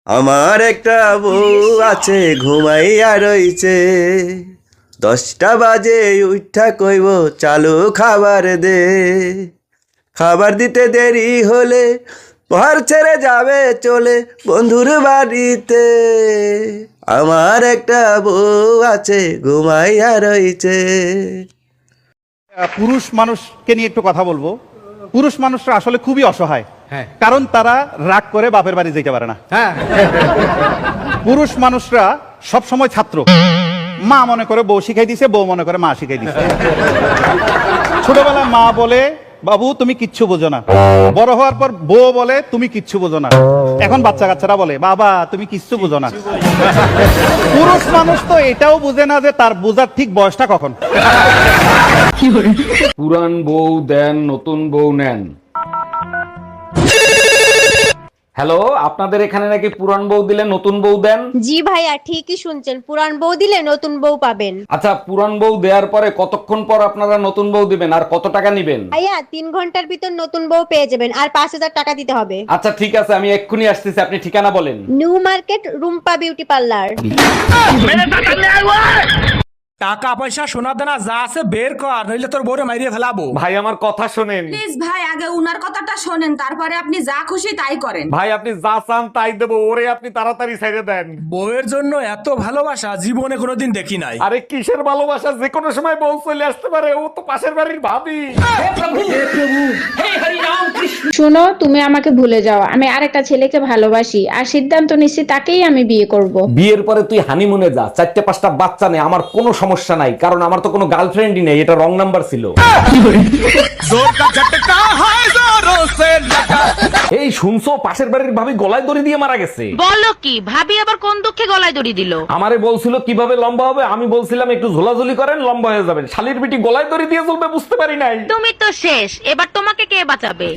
আমার একটা বউ আছে ঘুমাইয়া রইছে, 10টা বাজে উঠা কইব চালু খাবার দে। খাবার দিতে দেরি হলে ঘর ছেড়ে যাবে চলে বন্ধুর বাড়িতে। আমার একটা বউ আছে ঘুমাইয়া রইছে। পুরুষ মানুষকে নিয়ে একটু কথা বলবো। পুরুষ মানুষরা আসলে খুবই অসহায়, কারণ তারা রাগ করে বাপের বাড়ি যেতে পারে না। পুরুষ মানুষরা সব সময় ছাত্র, মা মনে করে বউ শিখাই দিছে, বউ মনে করে মা শিখাই দিছে। ছোটবেলায় মা বলে বাবু তুমি কিচ্ছু বোঝো না, বড় হওয়ার পর বউ বলে তুমি কিচ্ছু বোঝো না, এখন বাচ্চা কাচ্চারা বলে বাবা তুমি কিচ্ছু বোঝো না। পুরুষ মানুষ তো এটাও বুঝে না যে তার বোঝার ঠিক বয়সটা কখন। পুরান বউ দেন নতুন বউ নেন। হ্যালো, আপনাদের এখানে নাকি পুরান বউ দিলে নতুন বউ দেন? জি ভাইয়া ঠিকই শুনছেন, পুরান বউ দিলে নতুন বউ পাবেন। আচ্ছা, পুরান বউ দেওয়ার পরে কতক্ষণ পর আপনারা নতুন বউ দিবেন আর কত টাকা নিবেন? ভাইয়া 3 ঘন্টার ভিতর নতুন বউ পেয়ে যাবেন, আর 5000 টাকা দিতে হবে। আচ্ছা ঠিক আছে, আমি এক্ষুনি আসতেছি, আপনি ঠিকানা বলেন। New market Rumpa beauty parlour. টাকা পয়সা সোনা দানা যা আছে বের কর, নইলে তোর বউরে মাইরিয়ে ফেলাবো। ভাই আমার কথা শোনেন। প্লিজ ভাই, আগে উনার কথাটা শোনেন, তারপরে আপনি যা খুশি তাই করেন। ভাই আপনি যা চান তাই দেবো, ওরে আপনি তাড়াতাড়ি ছেড়ে দেন। বউয়ের জন্য এত ভালোবাসা জীবনে কোনোদিন দেখি নাই। আরে কিসের ভালোবাসা, যে কোনো সময় বউ চলে আসতে পারে, ও তো পাশের বাড়ির ভাবি। শোনো, তুমি আমাকে ভুলে যাও, আমি আরেকটা ছেলেকে ভালোবাসি আর সিদ্ধান্ত নিচ্ছি তাকেই আমি বিয়ে করব। বিয়ের পরে তুই হানিমুনে যা, 4-5টা বাচ্চা নেই, আমার কোনো সমস্যা নাই, কারণ আমার তো কোনো গার্লফ্রেন্ডই নেই, এটা রং নাম্বার ছিল। এই শুনছো, পাশের বাড়ির ভাবি গলায় দড়ি দিয়ে মারা গেছে। বলো কি, ভাবি আবার কোন দুঃখে গলায় দড়ি দিল? আমারে বলছিল কিভাবে লম্বা হবে, আমি বলছিলাম একটু ঝোলাঝুলি করেন লম্বা হয়ে যাবেন, শালির বিটি গলায় দড়ি দিয়ে চলবে বুঝতে পারি নাই। তুমি তো শেষ, এবার তোমাকে কে বাঁচাবে?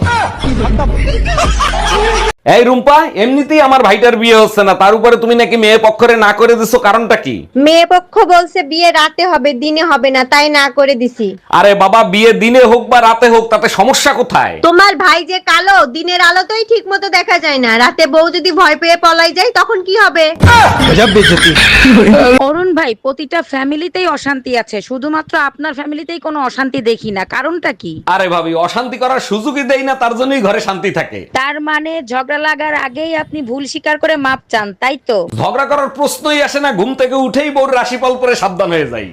এই রুম্পা, এমনিতেই আমার ভাইটার বিয়ে হচ্ছে না, তার উপরে তুমি নাকি মেয়ে পক্ষরে না করে দিছো, কারণটা কি? মেয়ে পক্ষ বলছে বিয়ে রাতে হবে, দিনে হবে না, তাই না করে দিছি। আরে বাবা, বিয়ে দিনে হোক বা রাতে হোক তাতে সমস্যা কোথায়? তোমার ভাই যে কালো, দিনের আলোতেই ঠিক মতো দেখা যায় না, রাতে বউ যদি ভয় পেয়ে পলাই যায় তখন কি হবে? অরুণ ভাই, প্রতিটা ফ্যামিলিতেই অশান্তি আছে, শুধুমাত্র আপনার ফ্যামিলিতেই কোনো অশান্তি দেখি না, কারণটা কি? আরে ভাবি, অশান্তি করার সুযোগই দেই না, তার জন্যই ঘরে শান্তি থাকে। তার মানে ঝগড়া লাগার আগেই আপনি ভুল স্বীকার করে মাপ চান, তাই তো? ঝগড়া করার প্রশ্নই আসে না, ঘুম থেকে উঠেই বউর রাশিফল পরে সাবধান হয়ে যাই।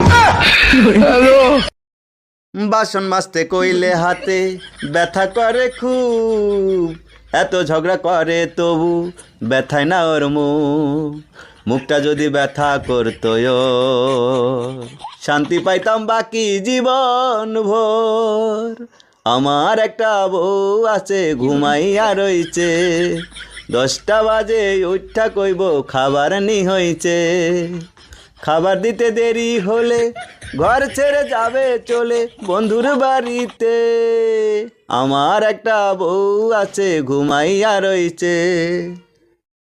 বাসন মাজতে কইলে হাতে ব্যথা করে খুব, এত ঝগড়া করে তবু ব্যথায় না ওর মুখ। মুখটা যদি ব্যথা করতো শান্তি পাইতাম বাকি জীবন ভোর। আমার একটা বউ আছে ঘুমাইয়া রইছে, 10টা বাজে উঠা কইব খাবার নি হইছে। খাবার দিতে দেরি হলে ঘর ছেড়ে যাবে চলে বন্ধুর বাড়িতে। আমার একটা বউ আছে ঘুমাইয়া রইছে।